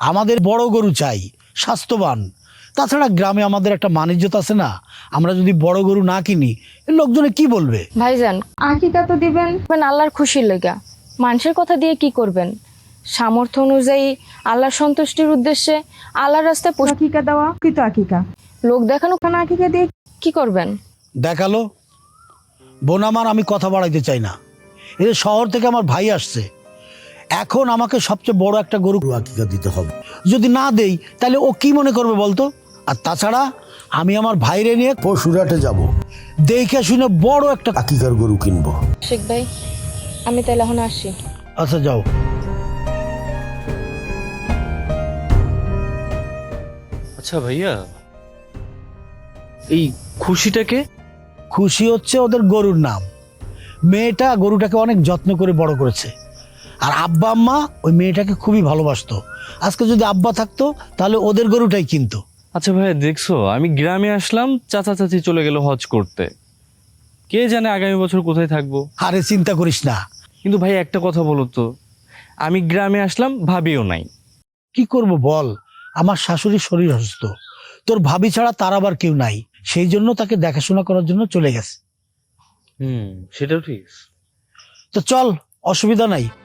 আমাদের বড় গরু চাই, স্বাস্থ্যবান। তাছাড়া গ্রামে আমাদের একটা মান-ইজ্জত আছে না? আমরা যদি বড় গরু না কিনি, লোকজনে কি বলবে? ভাইজান, আকিকা তো দিবেন আল্লাহর খুশির লেগা। মানুষের কথা দিয়ে কি করবেন? সামর্থ্য অনুযায়ী আল্লাহর সন্তুষ্টির উদ্দেশ্যে আল্লাহর রাস্তায় আকিকা দেওয়া কৃত আকিকা। লোক দেখানো কারণ আকিকা দিয়ে কি করবেন? দেখালো বোন আমার, আমি কথা বাড়াইতে চাই না। এই যে শহর থেকে আমার ভাই আসছে, এখন আমাকে সবচেয়ে বড় একটা গরু আকিকা দিতে হবে। যদি না দেই তাহলে ও কি মনে করবে বলতো? আর তাছাড়া আমি আমার ভাইরে নিয়ে পশুরাটে যাব, দেখে শুনে বড় একটা আকিকার গরু কিনবো। শেখ ভাই, আমি তাহলে এখন আসি। আচ্ছা যাও। আচ্ছা ভাইয়া, এই খুশিটাকে? খুশি হচ্ছে ওদের গরুর নাম। মেয়েটা গরুটাকে অনেক যত্ন করে বড় করেছে, আর আব্বা আম্মা ওই মেয়েটাকে খুবই ভালোবাসতো। আজকে যদি আব্বা থাকতো তাহলে ওদের গরুটাই কিনতো। আচ্ছা ভাইয়া, দেখছো আমি গ্রামে আসলাম, চাচা চাচি চলে গেল হজ করতে। কে জানে আগামী বছর কোথায় থাকবো। আরে চিন্তা করিস না। কিন্তু ভাই একটা কথা বলো তো, আমি গ্রামে আসলাম, ভাবিও নাই। কি করব বল, আমার শাশুড়ির শরীর অসুস্থ, তোর ভাবি ছাড়া তার আবার কেউ নাই, সেই জন্য তাকে দেখাশোনা করার জন্য চলে গেছে। সেটাও ঠিক। তো চল, অসুবিধা নাই,